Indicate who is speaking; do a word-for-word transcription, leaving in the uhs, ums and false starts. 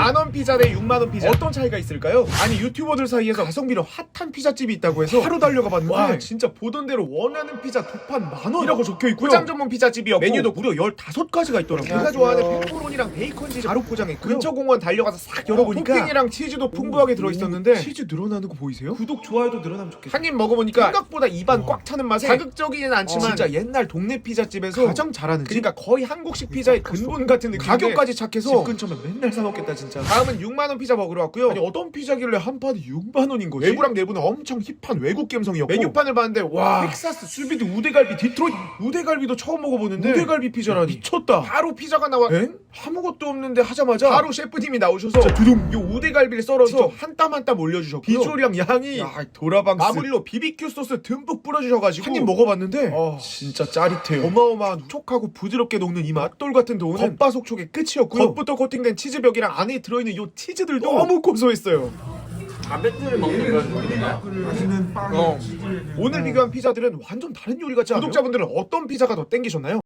Speaker 1: 만원 피자 대 육만원 피자 어떤 차이가 있을까요? 아니 유튜버들 사이에서 가성비로 핫한 피자집이 있다고 해서 하루 달려가 봤는데 와 진짜 보던 대로 원하는 피자 두 판 만원 이라고 적혀있고요. 포장 전문 피자집이었고 메뉴도 무려 열다섯 가지가 있더라고요. 제가 좋아하는 페퍼로니랑 베이컨 치즈 바로 포장했고요. 근처 공원 달려가서 싹 열어보니까 토핑이랑 치즈도 풍부하게 들어있었는데 치즈 늘어나는 거 보이세요? 구독 좋아요도 늘어나면 좋겠어요. 한 입 먹어보니까 생각보다 입안 꽉 차는 맛에 자극적이진 않지만 진짜 옛날 동네 피자집에서 가장 잘하는 집? 그러니까 거의 한국식 피자의 근본 같은 느낌. 가격까지 착해서 집 근처면 맨날 사 먹겠다 진짜. 다음은 육만원 피자 먹으러 왔고요. 아니 어떤 피자길래 한 판에 육만원인 거지? 외부랑 내부는 엄청 힙한 외국 감성이었고 메뉴판을 봤는데 와 텍사스 수비드 우대갈비 디트로이트 우대갈비도 처음 먹어보는데 우대갈비 피자라니 미쳤다. 바로 피자가 나와. 엥? 아무것도 없는데 하자마자 바로 셰프님이 나오셔서 두둥 요 우대갈비를 썰어서 한 땀 한 땀 올려주셨고요. 비주얼이랑 양이 야 도라방스 마무리로 비비큐 소스 듬뿍 뿌려주셔가지고 한 입 먹어봤는데 어, 진짜 짜릿해요. 어마어마한 촉촉하고 부드럽게 녹는 이 맛돌 같은 도우는 겉바속촉의 끝이었고요. 겉부터 코팅된 치즈벽이랑 안에 들어있는 요 치즈들도 너무 고소했어요.
Speaker 2: 바베큐를 먹는 그런 느낌이야.
Speaker 1: 맛있는 빵. 어. 오늘 비교한 피자들은 완전 다른 요리 같지 않아요? 구독자분들은 어떤 피자가 더 땡기셨나요?